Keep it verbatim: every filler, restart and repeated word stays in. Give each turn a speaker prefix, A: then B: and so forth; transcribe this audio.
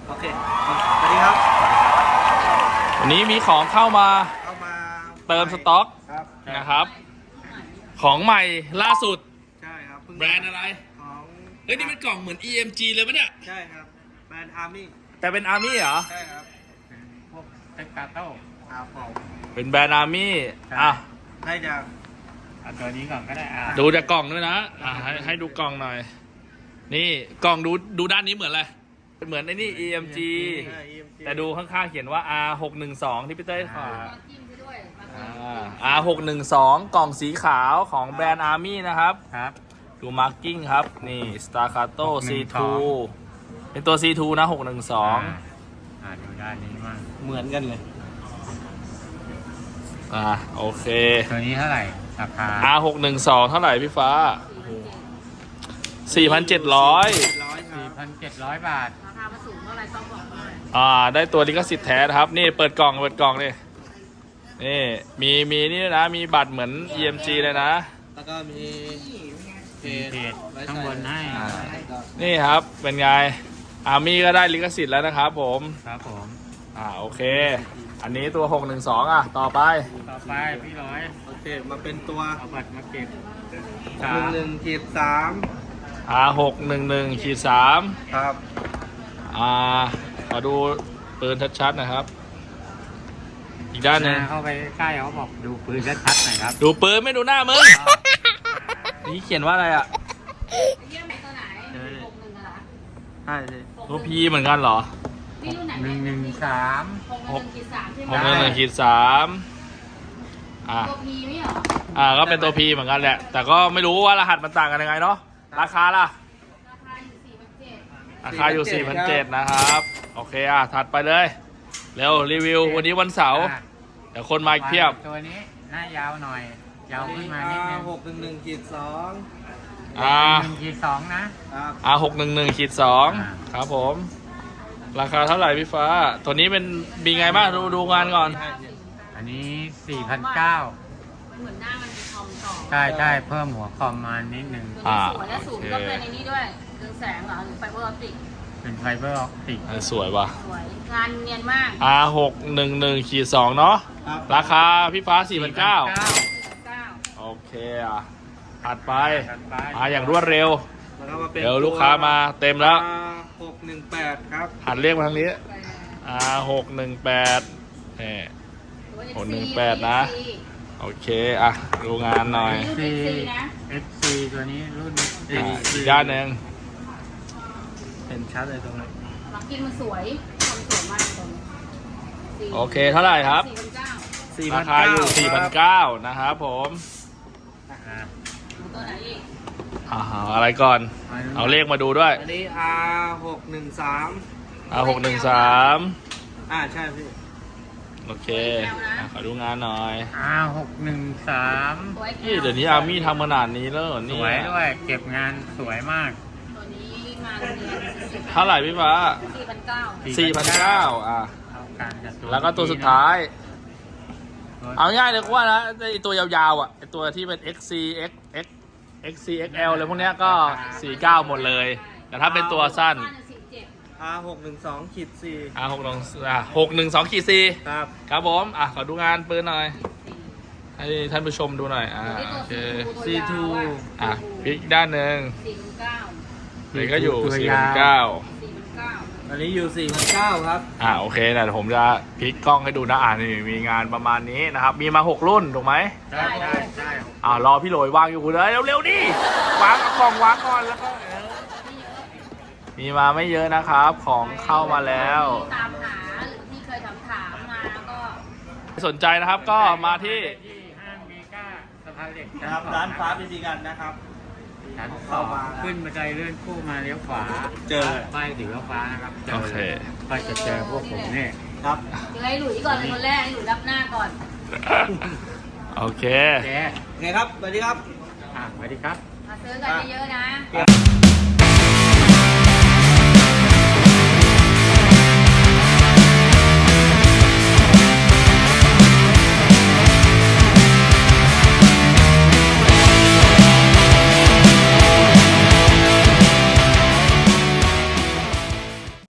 A: โอเคสวัสดีครับ
B: วันนี้มีของเข้ามา
A: เข้ามา
B: เติมสต็อก
A: ครับ
B: นะครับ ของใหม่ล่าสุด
A: ใช่ครับเพิ่ง
B: แบรนด์อะไร
A: ของ
B: เฮ้ยนี่เป็นกล่องเหมือน อี เอ็ม จี เลยปะเนี่ย
A: ใช่ครับแบรนด์อาร์มี่
B: แต่เป็นอาร์มี่เหรอ
A: ใช่ครับ
C: พวกเต็กกาโต้
A: ครับผม
B: เป็นแบรนด์อาร์มี่อ่ะ
A: ได้จาก
C: เอาตัวนี้ก่อนก็ได้อ่ะ
B: ดูจากกล่องด้วยนะอ่ะให้ให้ดูกล่องหน่อย นี่กล่องดูดูด้านนี้เหมือนอะไรเหมือนไอ้นี่ อี เอ็ม จี
A: ใช่ อี เอ็ม จี
B: แต่ดูข้างๆเขียนว่า อาร์ หกหนึ่งสอง ที่พี่เต้ขอ
D: จิ้มไปด้วยมา
B: อ่า อาร์ หกหนึ่งสอง กล่องสีขาวของแบรนด์อาร์มี่นะครับ
C: ครับ
B: ดูมาร์กิ้งครับ นี่ Staccato ซี ทู
C: หกหนึ่งสอง
B: เป็นตัว ซี ทู นะ หกหนึ่งสอง
C: อ่าดูด้านนี้มั่ง
A: เหมือนกันเลย
B: อ่าโอเค
C: ตัวนี้เท่าไหร่ราคา
B: อาร์ หกหนึ่งสอง เท่าไหร่พี่ฟ้า สี่พันเจ็ดร้อย
A: ร้อยครั
C: สี่
A: บ
C: พันเจ็ดร้อยบาท
D: ราคามาสูงเท่าไหร่ต้องบอกหน่อย
B: อ่า ได้ตัวลิขสิทธิ์แท้นะครับ นี่เปิดกล่อง เปิดกล่องนี่นี่ มี มีนี่ด้วยนะ มีบัตรเหมือน อี เอ็ม จี เลยนะ
A: แล้วก็มีเพ
C: มีเพจ
A: ไว้
C: ข้างบนให้
A: อ่า
B: นี่ครับ เป็นไง อาร์มี่ก็ได้ลิขสิทธิ์แล้วนะครับผม
C: ครับผม
B: อ่า โอเค อันนี้ตัว หกหนึ่งสอง อ่ะ ต่อไป
C: ต่อไปพี่ร้อย
A: โอเคมาเป็นตัว
C: เอาบัตรมาเก็บ
A: หนึ่งหนึ่งขีดสาม
B: อาร์ หกหนึ่งหนึ่งขีดสาม
A: ครับ
B: อ่า ขอดูปืนชัดๆนะครับ อีกด้านหนึ่ง
C: เข้าไปใกล้เขาบอกดูปืนชัดๆหน่อยครับ
B: ดูปืนไม่ดูหน้ามึง นี่เขียนว่าอะไรอ่ะ
D: เยี่ยมไหนตัวไหนหกหนึ่งเหรอ
A: ใช่สิ
B: ตัวพีเหมือนกันเหรอ
D: นี่รุ่นไหน
C: หนึ่งหนึ่งสาม
D: หกหนึ่งขีดสามใช่ไห
B: ห
D: ม
B: กหนึ่งหนึ่งขีดสามอ่า
D: ตัวพีไม่เหรอ
B: อ่า ก็เป็นตัวพีเหมือนกันแหละ แต่ก็ไม่รู้ว่ารหัสมันต่างกันยังไงเนาะ ราคาล่ะ
D: ราคาอยู่สี่พันเจ็ด
B: ราคาอยู่ สี่พันเจ็ดร้อย นะครับ โอเค อ่ะ ถัดไปเลย เร็ว รีวิว วันนี้วันเสาร์
C: อ่ะ
B: เดี๋ยวคนมาอีกเพียบ
C: ตัวนี้หน้ายาวหน่อย ยาวขึ้นมานิดนึง
A: หกหนึ่งหนึ่งขีดสอง
B: อ่า
C: หนึ่งขีดสองนะ
A: ครับ
B: อาร์ หกหนึ่งหนึ่งขีดสอง
C: อ่า
B: ครับผม ราคาเท่าไหร่พี่ฟ้า ตัวนี้เป็นมีไงบ้าง ดูดูงานก่อน
C: อันนี้สี่พันเก้า
D: เหมือนหน้ามันมีคอมต่อ
C: ใช่ใช่เพิ่มหัวคอมมานิดนึง
D: ตัวนี้สวยและสูงก็เป็นในนี้ด้วยเรืองแสงเหรอหรือไฟเบอร์ออปติก
C: เป็นไฟเบอร์ออปติก
B: เออสวยว่ะ
D: สวยงานเนียนมาก
B: อาร์ หกหนึ่งหนึ่งขีดสองเนาะ
A: ครับ
B: ราคาพี่ฟ้า สี่พันเก้า
D: สี่พันเก้า
B: โอเคอ่ะ ถัดไป
C: ถัดไป
B: มาอย่างรวดเร็ว
A: แล้วก็มาเป็น
B: เดี๋ยวลูกค้ามาเต็มแล้ว
A: หกหนึ่งแปดครับ
B: หันเรียกมาทางนี้ อาร์ หกหนึ่งแปดนี่ หกหนึ่งแปดนะ โอเค อ่ะ ดูงานหน่อย
D: รุ่น F C นะ
C: เอฟซีตัวนี้รุ่น
B: อ่ะอีกด้านหนึ่ง
A: เห็นชัดเลยตรงนี้
D: ลักกินมันสวยทำสวยมากตรงนี้
B: โอเคเท่าไหร่ครับ
D: สี่พันเก้า
B: ราคาอยู่ สี่พันเก้า นะครับผม
C: อ่า
D: ตัวไหนอีก
B: อ่าอะไรก่อน เอาเลขมาดูด้วย
A: อันนี้ อาร์ หกหนึ่งสาม
B: อาร์ หกหนึ่งสาม
A: อ่าใช่พี่
B: โอเคอ่ะขอดูงานหน่อย
C: อาหกหนึ่งสาม
D: สวย
B: นี่เดี๋ยวนี้อาร์มี่ทำขนาดนี้แล้วเหรอ
C: ส
B: เนี่
C: วย
B: ย
C: ด้วย เก็บงานสวยมาก
D: ตัวนี้มาเรียน
B: เท่าไหร่พี่ฟ้า
D: สี่พันเก้า
B: สี่พันเก้า อ่ะ
C: เอาการกับตัว
B: แล้วก็ตัวสุดท้าย
C: ตัว
B: เอาง่ายเลยก็ว่านะไอตัวยาวๆอ่ะไอตัวที่เป็น เอ็กซ์ ซี X X X C X L อะไรพวกเนี้ยก็ สี่สิบเก้า หมดเลย แต่ถ้าเป็นตัวสั้น
D: สี่เจ็ด
A: อาร์ หกหนึ่งสองขีดสี่
B: อ่ะหกหนึ่งอ่ะหกหนึ่งสองขีดสี่
A: ครับ
B: ครับผม อ่ะ ขอดูงานปืนหน่อย ให้ท่านผู้ชมดูหน่อย อ่า โอเค
A: ซี ทู
B: อ่ะพลิกด้านหนึ่ง
D: สี่พันเก้า
B: เลยก็อยู่
C: ตัว
B: สี่
C: ยา
B: พัน
C: ว
B: เก้า
D: สี่พันเก้า
A: อันนี้อยู่สี่พันเก้าครับ
B: อ่าโอเคนะเดี๋ยวผมจะพลิกกล้องให้ดูนะอ่านี่มีงานประมาณนี้นะครับ มีมาหกรุ่นถูกไหม
C: ใช่ใช่ใช่
B: อ่ารอพี่โหลยวางอยู่เลยเร็วๆดิวางเอากล่องวางก่อนแล้วก็เออมีมาไม่เยอะนะครับ ของเข้ามาแล้ว
D: ตามหาหรือที่เคยถามถามมาก็
B: สนใจนะครับก็มาที่
C: ที่ห้างเมกาสะพานเหล็ก
A: นะครับ ร้านฟ้าพิธีกันนะครับ
C: ชั้นส
A: เข้า
C: อง
A: มา
C: ขึ้นบันไดเลื่อนคู่มาเลี้ยวขวา
A: เจอ
C: ป้ายสีฟ้านะครับจ
B: โอเค
C: ก็จะเจอพวกผมเนี่ย
A: ครับ
D: เดี๋ยวให้หลุยก่อนเป็นคนแรกให้หลุยรับหน้าก่อน
B: โอเค
C: แก
A: โอเคครับ สวัสดีครับ
C: อ่ะสวัสดีครับ
D: มาซื้อกันเยอะๆนะ